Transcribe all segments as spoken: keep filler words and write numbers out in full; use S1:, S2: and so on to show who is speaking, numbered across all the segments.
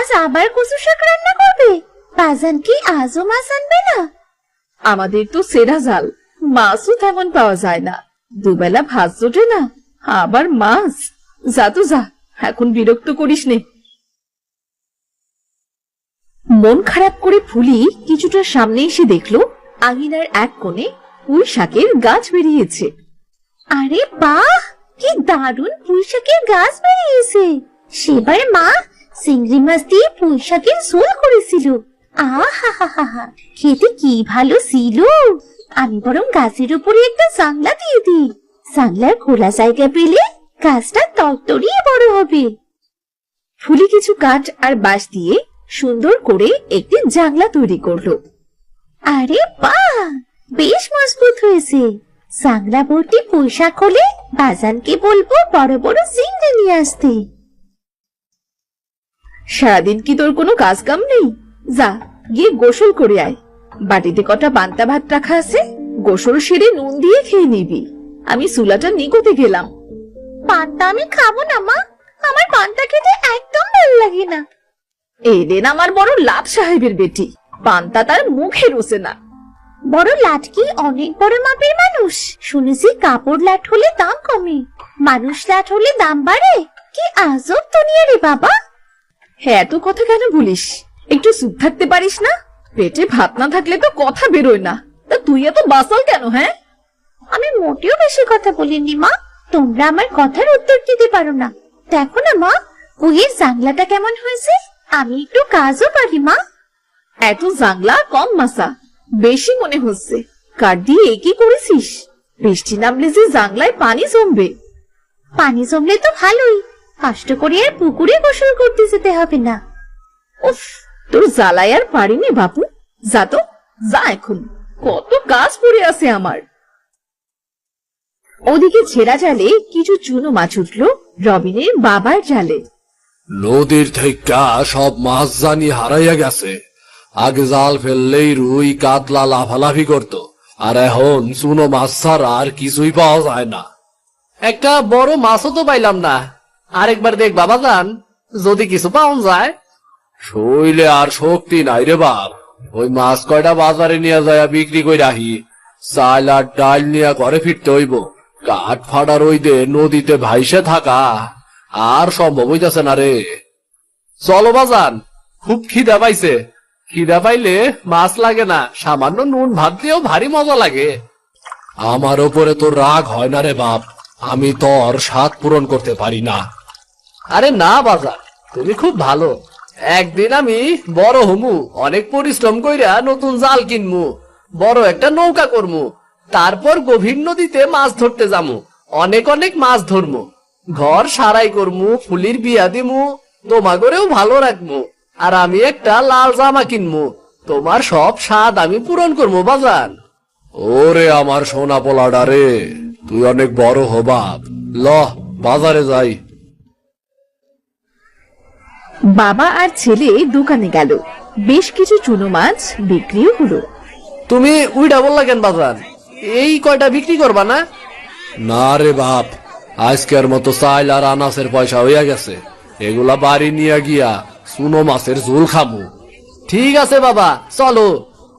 S1: আজ আবার কচু শাক রান্না করবে? বাজান কি আজও মাছ আনবে না?
S2: আমাদের তো সেরা জাল, মাছও তেমন পাওয়া যায় না। দুবেলা ভাত জোটে না, আবার মাছ। যা তো যা, এখন বিরক্ত করিস নে। মন খারাপ করে ফুলি কিছুটা সামনে এসে দেখলো আঙিনার এক কোণে পুঁই শাকের গাছ বেরিয়েছে।
S1: আরে বাহ, কি দারুণ পুঁই শাকের গাছ বেরিয়েছে! সেবার মা চিংড়ি মাছ দিয়ে পুঁই শাকের ঝোল করেছিল। আহা হা হা হা, খেতে কি ভালো ছিল! আমি বরং গাছের উপরে একটা জানলা দিয়ে দিই। জানলার খোলা জায়গা পেলে গাছটা তরতরিয়ে বড় হবে।
S2: ফুলি কিছু কাঠ আর বাঁশ দিয়ে সুন্দর করে একটি জানলা তৈরি করলো।
S1: আরে বাহ, বেশ মজবুত হয়েছে। জানলা ভর্তি পুঁই শাক হলে বাজানকে বলবো বড় বড় চিংড়ি নিয়ে আসতে।
S2: সারাদিন কি তোর কোনো কাজ কাম নেই? যা গিয়ে গোসল করে আয়। বাটিতে কটা পান্তা ভাত রাখা আছে, গোসল সেরে নুন দিয়ে খেয়ে নিবি। আমি চুলাটা নিগোতে গেলাম।
S1: পান্তা আমি খাবো না মা, আমার পান্তা খেতে একদম ভালো লাগে না।
S2: এলেন আমার বড় লাট সাহেবের বেটি, পান্তা তার মুখে রোসে না।
S1: বড় লাট কি অনেক বড় মাপের মানুষ? শুনেছি কাপড় লাট হলে দাম কমে, মানুষ লাট হলে দাম বাড়ে। কি আজব দুনিয়া রে বাবা!
S2: হ্যাঁ, এত কথা কেন বলিস? একটু চুপ থাকতে পারিস না? পেটে ভাত না থাকলে তো কথা বেরোয় না। তা তুই এত বাসাল কেন? হ্যাঁ,
S1: আমি মোটেও বেশি কথা বলিনি মা, তোমরা আমার কথার উত্তর দিতে পারো না। দেখো না মা, পুঁইয়ের জানলাটা কেমন হয়েছে। আমি একটু কাজও পারি মা।
S2: এত জানলা কম মাসা, বেশি মনে হচ্ছে। কাঠ দিয়ে একই করেছিস? বৃষ্টি নামলে যে জানলায় পানি জমবে।
S1: পানি জমলে তো ভালোই, কষ্ট করে আর পুকুরে গোসল করতে যেতে হবে না।
S2: উফ, তোর জ্বালায় আর পারিনি বাপু। যা তো যা, এখন কত কাজ পড়ে আছে আমার। ওদিকে ছেঁড়া জালে কিছু চুনো মাছ উঠল রবিনের বাবার জালে।
S3: নদীর থেকে সব মাছ জানি হারাইয়া গেছে। আগে জাল ফেললেই রুই কাতলা লাফালাফি করত, আর এখন চুনো মাছ ছাড়া আর কিছুই পাওয়া যায় না।
S4: একটা বড় মাছও তো পাইলাম না। আরেকবার দেখ বাবা যান, যদি কিছু পাওয়া যায়।
S3: শৈলে আর শক্তি নাই রে বাপ। ওই মাছ কয়টা বাজারে নিয়ে যায় বিক্রি করে রাখি, চাল আর ডাল নিয়ে ঘরে ফিরতে হইব। কাঠ ফাটা রইদে নদীতে ভাইসে থাকা আর সম্ভব হইতেছে না রে।
S4: চলো বাজান, খুব খিদা পাইছে। খিদা পাইলে মাছ লাগে না, সামান্য নুন ভাত দিয়েও ভারী মজা লাগে।
S3: আমার ওপরে তোর রাগ হয় না রে বাপ, আমি তোর স্বাদ পূরণ করতে পারি না।
S4: আরে না বাজান, তুমি খুব ভালো। একদিন আমি বড় হমু, অনেক পরিশ্রম কইরা নতুন জাল কিনমু, বড় একটা নৌকা করমু, তারপর গভীর নদীতে মাছ ধরতে যামু, অনেক অনেক মাছ ধরমু, ঘর সারাই করমু, ফুলির বিয়া দিমু, তোমাগরেও ভালো রাখমু, আর আমি একটা লাল জামা কিনমু। তোমার সব স্বাদ আমি পূরণ করবো বাজান।
S3: ওরে আমার সোনা পোলাডা রে, তুই অনেক বড় হ বাপ। ল বাজারে যাই।
S2: বাবা আর ছেলে দোকানে গেল। বেশ কিছু চুনো মাছ বিক্রিও হলো।
S4: তুমি উইডা বললা কেন বাজান? এই কয়টা বিক্রি করবা না?
S3: না রে বাপ, আজকের মতো চাইল আর আনাসের পয়সা হইয়া গেছে। এগুলা বাড়ি নিয়ে গিয়া চুনো মাছের ঝোল খাবো।
S4: ঠিক আছে বাবা, চলো।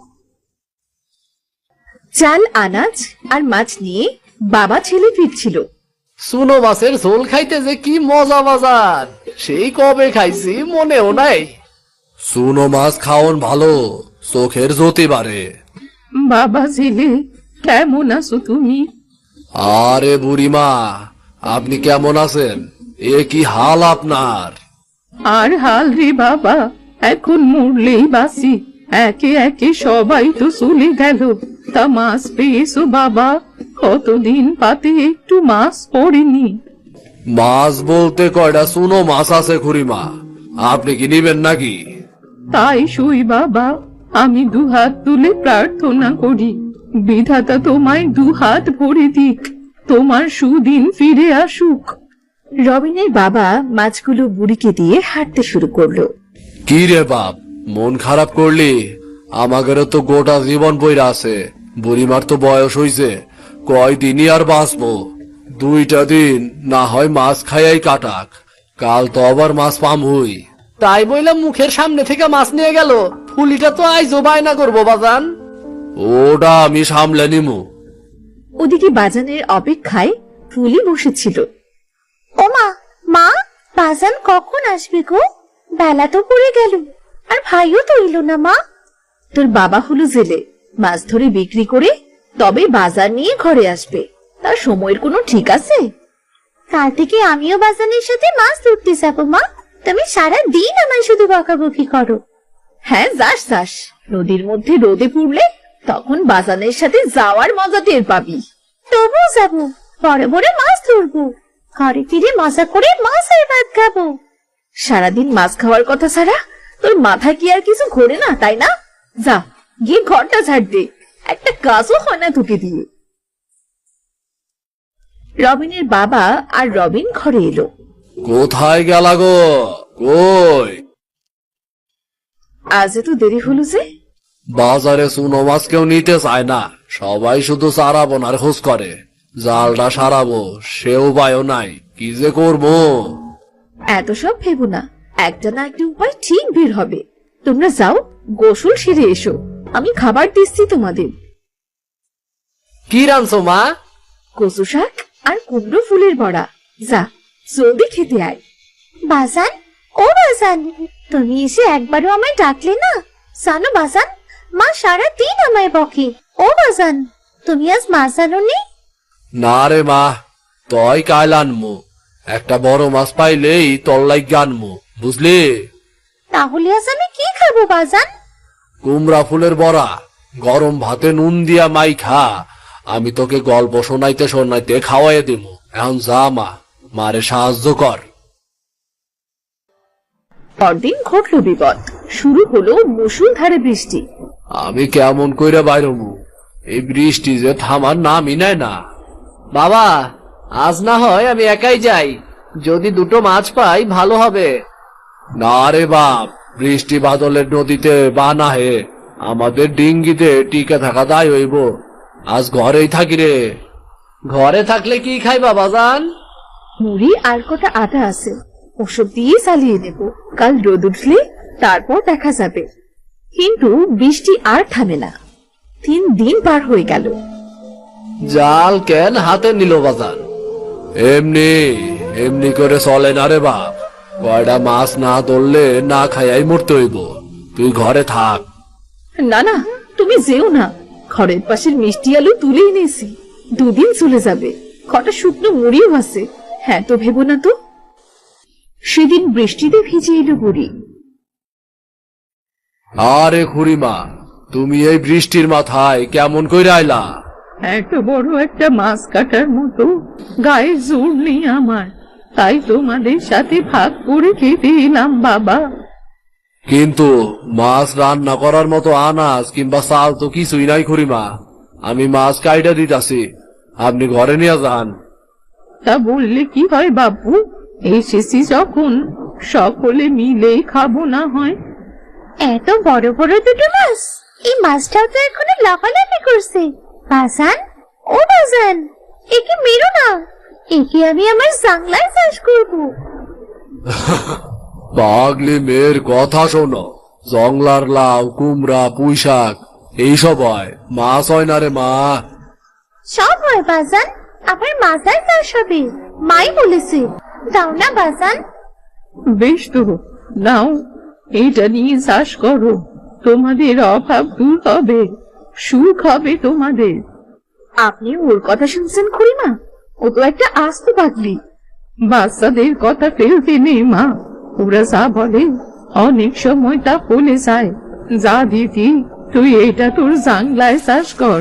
S2: চাল, আনাজ আর মাছ নিয়ে বাবা ছেলে ফিরছিল।
S4: চুনো মাছের ঝোল খাইতে যে কি মজা বাজান, সেই কবে খাইছি মনেও নাই।
S3: চুনো মাছ খাওন ভালো, চোখের জ্যোতি বাড়ে।
S2: বাবা ছেলে, কেমন আছো তুমি?
S3: আরে বুড়িমা, আপনি কেমন আছেন? এ কি হাল আপনার?
S2: আর হাল রে বাবা, এখন মরলেই বাসি। একে একে সবাই তো চলে গেল। তা মাছ পেয়েছো বাবা? কতদিন পাতে একটু মাছ পড়েনি।
S3: মাছ বলতে কয়টা চুনো মাছ আছে খুড়িমা, আপনি কি নিবেন নাকি?
S2: তাই শুই বাবা, আমি দু হাত তুলে প্রার্থনা করি, বিধাতা তোমায় দু হাত ভরে দিক, তোমার সুদিন ফিরে আসুক। রবিনের বাবা মাছগুলো বুড়িকে দিয়ে হাঁটতে শুরু করলো।
S3: কি রে বাপ, মন খারাপ করলি? আমাদেরও তো গোটা জীবন বইরা আছে। বুড়িমার তো বয়স হইছে, কয়দিনই আর বাঁচবো। দুইটা দিন না হয় মাছ খাইয়াই কাটাক, কাল তো আবার মাছ পাম হই।
S4: তাই বইলা মুখের সামনে থেকে মাছ নিয়ে গেল। ফুলিটা তো আইজো বায়না করবো বাজান।
S3: ওটা আমি সামলে নিমু।
S2: ওদিকে বাজানের অপেক্ষায় ফুলি বসেছিল।
S1: ও মা, মা, বাজান কখন আসবে গো? বেলা তো পড়ে গেল, আর ভাইও তো এলো না মা।
S2: তোর বাবা হলো জেলে, মাছ ধরে বিক্রি করে তবে বাজার নিয়ে ঘরে আসবে। তার সময়ের কোনো ঠিক আছে?
S1: কাল থেকে আমিও বাজানের সাথে মাছ ধরতে যাবো মা। তুমি সারা দিন আমায় শুধু বকাবকি করো।
S2: হ্যাঁ, যাস যাস। নদীর মধ্যে রোদে পুড়লে তখন বাজানের সাথে যাওয়ার মজা টের পাবি।
S1: তবুও যাবো, বড় বড় মাছ ধরবো, ঘরে ফিরে মজা করে মাছের ভাত খাবো।
S2: সারাদিন মাছ খাওয়ার কথা ছাড়া তোর মাথায় কি আর কিছু ঘোরে না, তাই না? যা গিয়ে ঘরটা ঝাড় দে, একটা কাজও হয় না তোকে দিয়ে। রবিনের বাবা আর রবিন ঘরে এলো।
S3: কোথায় গেলা গো? কই?
S2: আজ এত দেরি হলো যে?
S3: বাজারে চুনো মাছ কেউ নিতে চায় না, সবাই শুধু চারা বোনার খোঁজ করে। জালটা সারাবো সে উপায়ও নাই, কি যে করবো।
S2: এত সব ভেবো না, একটা না একটা উপায় ঠিক বের হবে। তোমরা যাও, গোসল সেরে এসো, আমি খাবার দিচ্ছি তোমাদের।
S4: কি রানছো মা?
S2: কচু শাক আর কুমড়ো ফুলের বড়া। যা জলদি খেতে আয়।
S1: বাজান, ও বাজান, তুমি এসে একবারও আমায় ডাকলে না? জানো বাজান, মা সারা দিন আমায় বকে। ও বাজান, তুমি আজ মাছ আনোনি?
S3: না রে মা, তই কাল আনমু। একটা বড় মাছ পাইলেই তল্লাই গানমু, বুঝলি?
S1: তাহলে আজ আমি কি খাবো বাজান?
S3: কুমড়া ফুলের বড়া, গরম ভাতে নুন দিয়া মাই খা। আমি তোকে গল্প শোনাইতে শোনাইতে খাওয়াইয়া দিমু। এখন যা মা, মারে সাহায্য কর।
S2: পরদিন ঘটল বিপদ। শুরু হলো মুষলধারে বৃষ্টি।
S3: আমি কেমন কইরা বাইরমু? এই বৃষ্টি যে থামার নামই নেয় না।
S4: বাবা, আজ না হয় আমি একাই যাই, যদি দুটো মাছ পাই ভালো হবে।
S3: না রে বাপ, বৃষ্টি বাদলের নদীতে বানা হে, আমাদের ডিঙ্গিতে টিকে থাকা দায় হইব। আজ ঘরেই থাকি রে।
S4: ঘরে থাকলে কি খাইবা বাজান?
S2: মুড়ি আর কটা আটা আছে, ওসব দিয়ে চালিয়ে নেব। কাল রোদ উঠলে তারপর দেখা যাবে। কিন্তু বৃষ্টি আর থামে না। তিন দিন পার হয়ে গেল।
S3: জাল কেন হাতে নিল বাজান? এমনি এমনি করে চলে না রে বাপ। কয়টা মাছ না ধরলে না খাইয়াই মরতে হইব। তুই ঘরে থাক।
S2: না না, তুমি যেও না। ঘরের পাশের মিষ্টি আলু তুলে এনেছি, দুদিন চলে যাবে। কটা শুকনো মুড়িও আছে। হ্যাঁ তো ভেবো না তো। সেদিন বৃষ্টিতে ভিজে এলো বুড়ি।
S3: আরে খুড়িমা, তুমি এই বৃষ্টির মাথায় কেমন কইরা আইলা?
S2: এত বড় একটা মাছ কাটার মতো গায়ে জোর নেই আমার, তাই তোমাদের সাথে ভাগ করে খেতে এলাম বাবা।
S3: কিন্তু মাছ রান্না করার মতো আনাজ কিংবা চাল তো কিছুই নাই খুড়িমা। আমি মাছ কাইটা দিতাছি, আপনি ঘরে নিয়ে যান।
S2: তা বললে কি হয় বাবু, এসেছি যখন সকলে মিলে খাবো না হয়?
S1: এত বড় বড় দুটো মাছ, এই মাছটাও তো এখনো লাফালাফি করছে। বাজান, ও বাজান, একে মেরো না, একে আমি আমার জাংলায় চাষ করবো।
S3: পাগলি মেয়ের কথা শোনো। জংলার লাউ, কুমড়া, পুঁই শাক এইসব হয়, মাছ হয় না রে মা।
S1: সব হয় বাজান, আবার মাথায় চাষ হবে, মাই বলেছে। দাও না বাজান।
S2: বেশ তো, নাও, এটা নিয়ে চাষ করো। তোমাদের অভাব দূর হবে, সুখ হবে তোমাদের। আপনি ওর কথা শুনছেন খুড়িমা? ও তো একটা আস্ত পাগলি। বাচ্চাদের কথা ফেলতে নেই মা, ওরা যা বলে অনেক সময় তা বলে যায়। যা দিদি, তুই এটা তোর জাংলায় চাষ কর।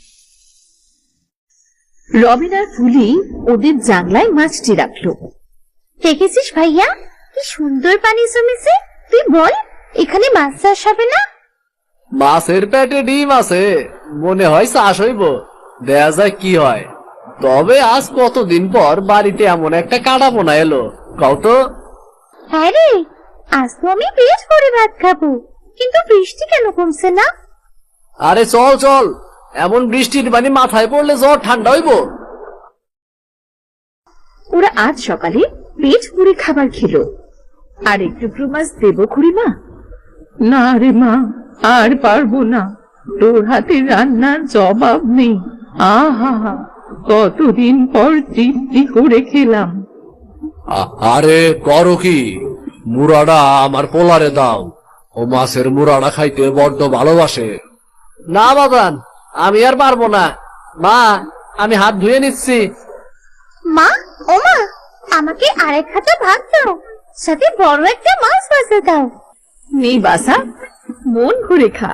S2: রবিন আর ফুলি ওদের জাংলায় মাছটি রাখলো।
S1: দেখেছিস ভাইয়া, কি সুন্দর পানি জমেছে। তুই বল, এখানে মাছ চাষ হবে না?
S4: মাছের পেটে ডিম আছে, মনে হয় চাষ হইব। দেখা যায় কি হয়। তবে আজ কতদিন পর বাড়িতে এমন একটা কাটা পোনা এলো, কও তো।
S1: হ্যাঁ রে, আজ তো আমি পেট ভরে ভাত খাবো, কিন্তু বৃষ্টি কেন কমছে না?
S4: আরে চল চল, এমন বৃষ্টির পানি মাথায় পড়লে জ্বর ঠান্ডা হইব।
S2: ওরা আজ সকালে পেট পুরে খাবার খেলো।
S5: আর একটু মাছ দেবো খুড়িমা?
S2: না রে মা, আর পারবো না। তোর হাতে রান্নার জবাব নেই। আহা, কতদিন পর তৃপ্তি করে খেলাম।
S3: আ- আরে করো কি, মুরাটা আমার পোলারে দাও। ও মাছের মুরাটা খাইতে বড্ড ভালোবাসে।
S4: না বাজান, আমি আর পারবো না। মা, আমি হাত ধুয়ে নিচ্ছি।
S1: মা, ও মা, আমাকে আরেক হাতে ভাত দাও, সাথে বড় একটা মাছ ভাজা দাও।
S5: নেই বাসা, মন ভরে খা।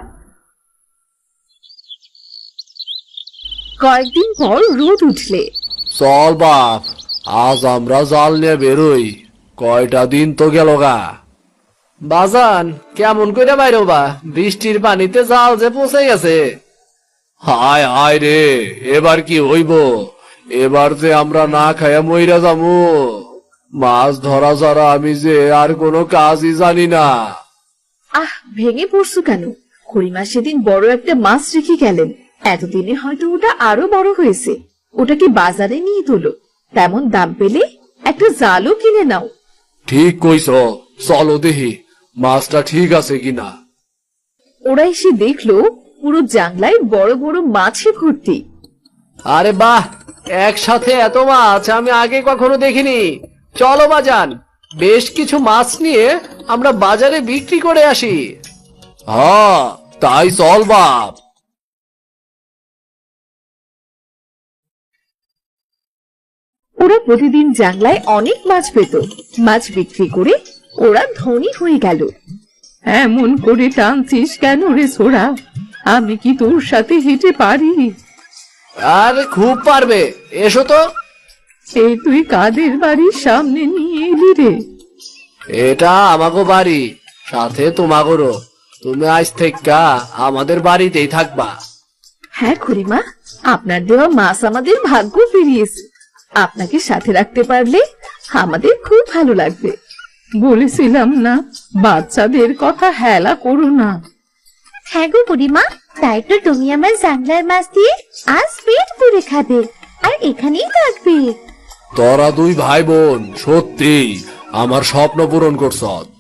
S5: কয়েকদিন পর রোদ উঠলে
S3: চল বাপ, আজ আমরা জাল নিয়ে বেরোই। কয়টা দিন তো গেল গা।
S4: বাজান, কেমন কইরা বাইরো বা, বৃষ্টির পানিতে জাল যে পচে গেছে।
S3: হায় হায় রে, এবার কি হইব? এবার যে আমরা না খাইয়া মইরা যামু। মাছ ধরা ছাড়া আমি যে আর কোনো কাজই জানি না।
S5: আহ, ভেঙে পড়ছো কেন? খুড়িমা সেদিন বড় একটা মাছ রেখে গেলেন। এতদিনে হয়তো ওটা আরো বড় হয়েছে। ওটাকে বাজারে নিয়ে তোলো, তেমন দাম পেলে একটা জালও কিনে নাও।
S3: ঠিক কইছ, চলো দেখি মাছটা ঠিক আছে কিনা।
S5: ওরা এসে দেখলো পুরো জাংলায় বড় বড় মাছে ভর্তি।
S4: আরে বাহ, একসাথে এত মাছ আমি আগে কখনো দেখিনি। চলো বাজান, বেশ কিছু মাছ নিয়ে আমরা বাজারে বিক্রি করে আসি।
S3: হ্যাঁ, তাই চল বাপ।
S5: ওরা প্রতিদিন জাংলায় অনেক মাছ পেত। মাছ বিক্রি করে ওরা ধনী হয়ে গেল।
S2: এমন করে টানছিস কেন রে ছোড়া? আমি কি তোর সাথে হেঁটে পারি?
S4: আর খুব পারবে, এসো তো।
S2: এই তুই কাদের বাড়ির সামনে নিয়ে এলি রে?
S3: এটা আমাগো বাড়ি, সাথে তোমাগোরও। তুমি আজ থেকে আমাদের বাড়িতেই থাকবা।
S5: হ্যাঁ খুড়িমা, আপনার দেওয়া মাছ আমাদের ভাগ্য ফিরিয়েছে। আপনাকে সাথে রাখতে পারলে আমাদের খুব ভালো লাগবে।
S2: বলেছিলাম না, বাচ্চাদের কথা হেলা করো না।
S1: হ্যাঁ গো বুড়িমা, তাই তো তুমি আমার জাংলার মাছ দিয়ে আজ পেট পুরে খাবে আর এখানেই থাকবে।
S3: তোরা দুই ভাই বোন সত্যি আমার স্বপ্ন পূরণ করছ।